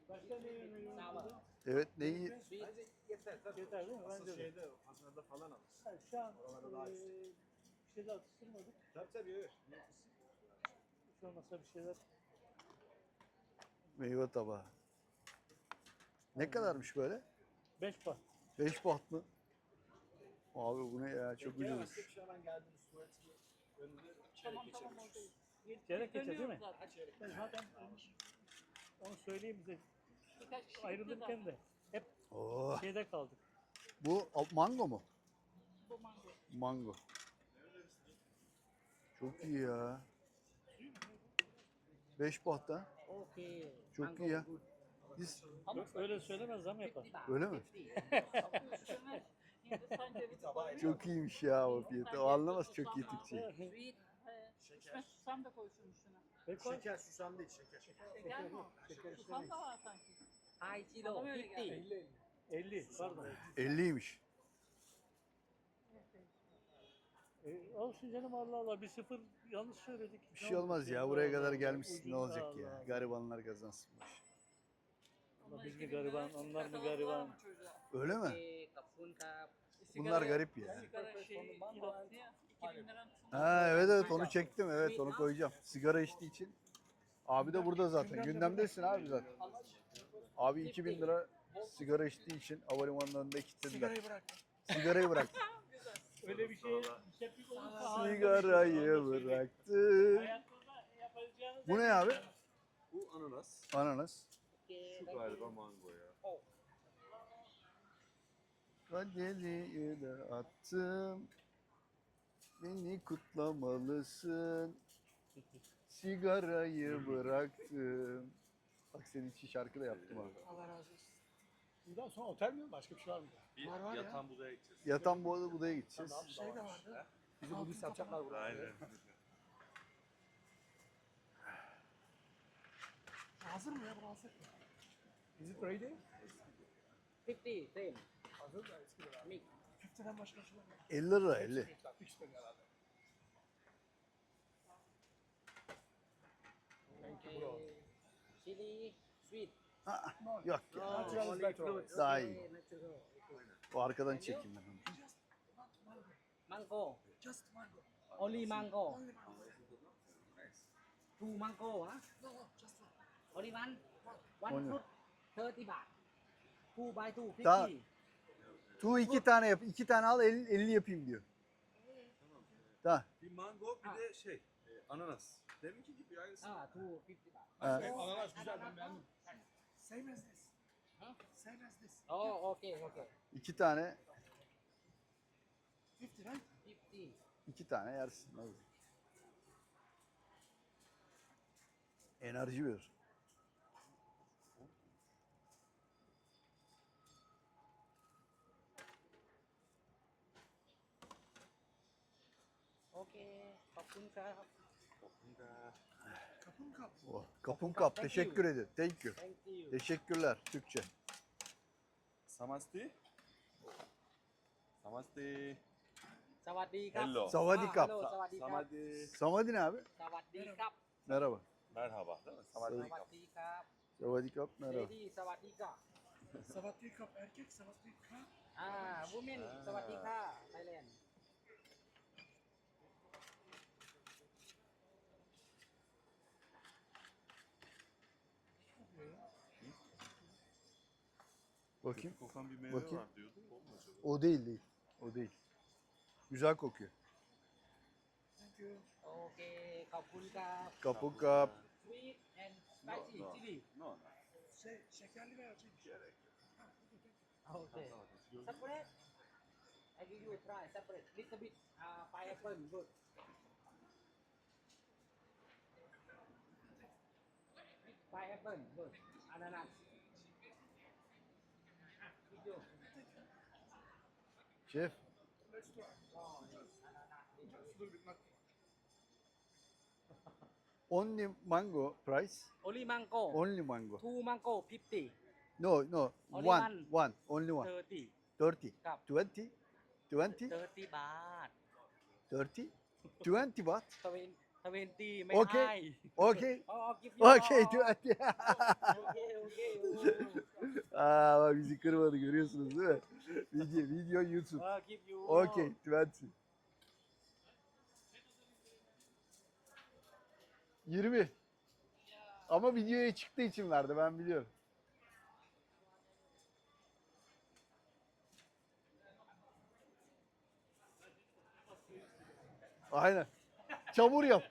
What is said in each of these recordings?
Başka ne yemeği var? Evet neyi? Bence yeter. Tabii. Yeter değil mi? Asıl Bence de. şeyde Hasan'da falan alır. Ha, şu an Oralarda daha yüksek. bir şeyler atıştırmadık. Tabii evet. Hiç olmazsa bir şeyler. Meyve tabağı. Ne kadarmış böyle? 5 baht. 5 baht mı? Abi bu ne ya? Çok Gelemezsek ucuzmuş. şu an geldiniz tuvaletini önüne çeyrek geçebiliriz. Çeyrek geçer değil mi? Ha çeyrek. Ben zaten onu söyleyeyim bize. Birkaç kişi Ayrılırken de hep Oh. şeyde kaldık. Bu mango mu? bu mango. Mango. Çok iyi ya. 5 baht ha. Okay. Çok iyi ya. Biz Öyle söylemez zam yapar. öyle mi? Çok Çok iyiymiş ya o fiyatı. O anlamaz çok iyi Türkçe. Sweet. İçme susam da koy şunun üstüne. Peki, Şeker susam değil şeker. Şeker mi? şeker Susam da var sanki. Hai kilo Bana öyle geldi. 50. 50 pardon. 50'ymiş. Olsun canım Allah Allah bir sıfır yanlış söyledik. Bir şey olmaz ya. Buraya kadar gelmişsin. Ne Ucuz, olacak Allah ya? Allah. Garibanlar kazansın. Allah biz mi gariban, onlar mı gariban? Öyle mi? Kapun kap. Bunlar garip ya. Sigara şey kilosu ya. 2000 lira mı? Ha evet onu çektim. Evet onu koyacağım. Sigara içtiği için. Abi de burada zaten. Gündemdesin abi zaten. Abi 2000 lira sigara içtiği için havalimanlarında kilitlediler. Sigarayı bırak. Öyle bir şey tepki olursa Sigarayı bıraktı. hayatta yapacağınız Bu ne abi? Bu ananas. Ananas. Şu galiba mango ya. Kadeliyi de attım. Beni kutlamalısın. Sigarayı bıraktım. Bak senin için şarkı da yaptım abi. Allah razı olsun. Bundan sonra otel mi? Başka bir şey var mı? Bir Var ya. yatan budaya gideceğiz. Yatan bu Buda'ya gideceğiz. Şey de vardı. Bizi Budist yapacaklar burada. Aynen. Hazır mı ya bu hazır? Is it ready? 50 same. Hazır da eski lira. Mix. 50'den başka şey var mı? 50 lira 50. Fix dedi herhalde. Okay. Chili sweet. Aa, yok ya. Natural is better always. Daha iyi. Natural. O arkadan çekeyim ben onu. Mango. Just mango. Only mango. Only mango. Two mango ha? No, no, just one. Only one. One Only. fruit 30 baht. Two by two 50. Daha- Tu 2 tane yap. 2 tane al 50 yapayım diyor. Tamam. Bir mango bir de şey ananas. Deminki gibi aynısı. Ah, two 50 baht. Ha. Ananas güzel ben beğendim. Same as this. Huh? Same as this. Oh, okay, okay. 2 tane 50 right? 50. 2 tane yersin. Hadi. Enerji verir. Okay. ขอบคุณครับ Kapın kap. Oh, kapım kap. Teşekkür ederim. Thank you. Thank you. Teşekkürler. Türkçe. Samasti. Samasti. สวัสดีครับ Hello. Savadi kap. Hello, สวัสดีครับ Samadi. Savadi ne abi? สวัสดีครับ Merhaba. Merhaba değil mi? สวัส Samadi. ดีครับ Savadi kap merhaba. Lady สวัสดีครับ Savatli kap erkek, savatli kap. วูแมนสวัสดีค่ะไทยแลนด์ Bakayım. Kokan bir meyve Bakayım. var diyordum. O mu acaba? O değil değil. O değil. Güzel kokuyor. Thank you. โอเค ขอบคุณครับ Kapı kap. sweet and spicy No, no. chili No, no. Şekerli veya acı. Gerek yok. โอเค separate I give you a try separate little bit pineapple good pineapple good ananas video Şef. Let's try. Just a little bit, not Only mango price. only mango Only mango. two mango 50 No, no. Only One. one. One. Only one. 30 30. Kap. 20. 20. 30 บาท 30. 20 baht. 20 mấy Okay. hai. Okey. I'll give you Okey. all. Okay, okay. Aa bak bizi kırmadı görüyorsunuz değil mi? Video YouTube. I'll give you. Okey 20. 20. Ama videoya çıktığı için verdi ben biliyorum. Aynen. Çamur yap.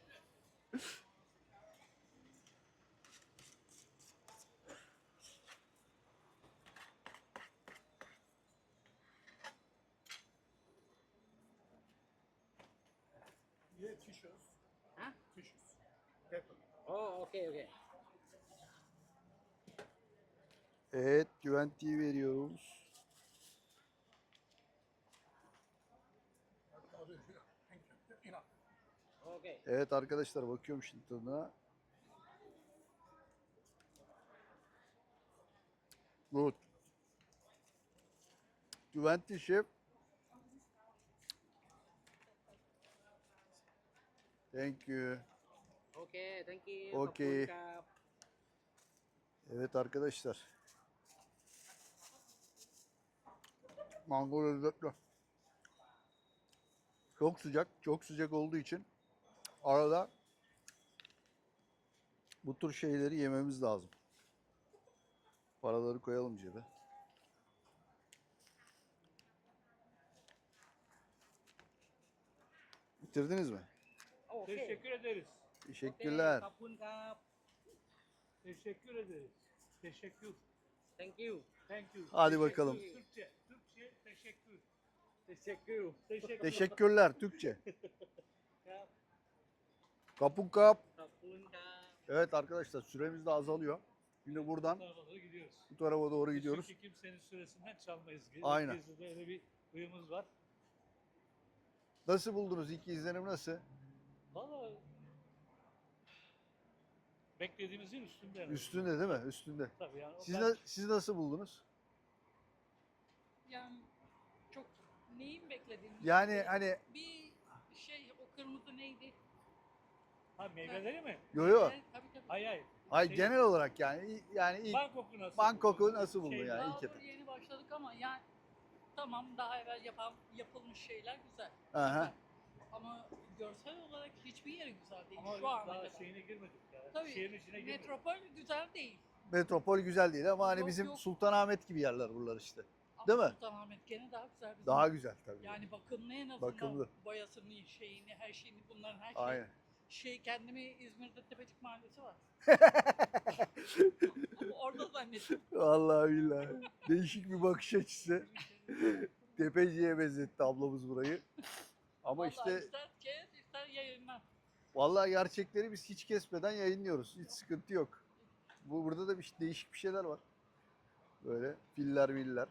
Yeah, tissues. Huh? Tissues. Paper. Oh, okay, okay. Evet güventiyi veriyoruz. I'll do it here. Thank you. Enough. Okay. Evet arkadaşlar bakıyorum şimdi tadına. Good. Güventi şef. Thank you. Okay, thank you. Okay. Khop khun krap. Evet arkadaşlar. Mango lezzetli. Çok sıcak. Çok sıcak olduğu için arada bu tür şeyleri yememiz lazım. Paraları koyalım cebe. Bitirdiniz mi? Okay. Teşekkür ederiz. Teşekkürler. Khop khun krap. Teşekkür ederiz. Teşekkür. Thank you. Thank you. Hadi Teşekkür. bakalım. Türkçe. Türkçe teşekkür. Teşekkür. Teşekkür. Teşekkürler Türkçe. Krap. Kapun kap. Khop khun krap. Evet arkadaşlar süremiz de azalıyor. Şimdi buradan Bu tarafa doğru gidiyoruz. bu tarafa doğru gidiyoruz. Çünkü kimsenin süresinden çalmayız. Aynen. Gezide öyle bir huyumuz var. Nasıl buldunuz? İlk izlenim nasıl? Valla beklediğimizin üstünde. yani. Üstünde değil mi? Üstünde. Tabii yani. Siz nasıl buldunuz? Yani çok neyin beklediğini. Yani hani Bir şey o kırmızı neydi? Ha meyveleri mi? yo yo. Evet, tabii tabii. Hayır hayır. Ay Şey- genel olarak yani ilk Bangkok'u nasıl? Bangkok'u buldun? nasıl buldun Şey, yani? Daha ilk doğru etap. yeni başladık ama yani tamam daha evvel yapılmış şeyler güzel. Aha. Ama görsel olarak hiçbir yeri güzel değil Ama şu an. daha kadar. şeyine girmedik ya. Tabii Şehrin içine girmedik. metropol güzel değil. Metropol güzel değil ama hani Yok, bizim yok. Sultanahmet gibi yerler buralar işte. Ama Değil mi? Sultanahmet gene daha güzel. Bizim. Daha güzel tabii. Yani bakımlı en azından. Bakımlı. Boyasını, şeyini, her şeyini bunların her şeyi. Aynen. Kendimi İzmir'de Tepecik Mahallesi var. Ama orada zannettim. Vallahi billahi. Değişik bir bakış açısı. Tepeciye benzetti ablamız burayı. Ama Vallahi işte ister kes ister yayınlar. vallahi gerçekleri biz hiç kesmeden yayınlıyoruz. Hiç sıkıntı yok. Burada da değişik bir şeyler var. Böyle filler miller.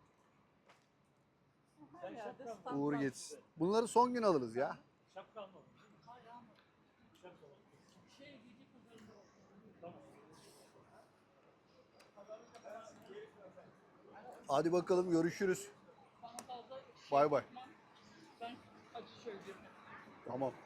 Her Sen yerde şapkan- stand Uğur var. geçsin. Bunları son gün alırız ya. Şapka almadım. Hayır ama Şapka almadım. giyecek üzerinde olsun. Tamam. Hadi bakalım görüşürüz. Bana fazla Bay bay. yapma. Ben acı söyleyeyim. Tamam.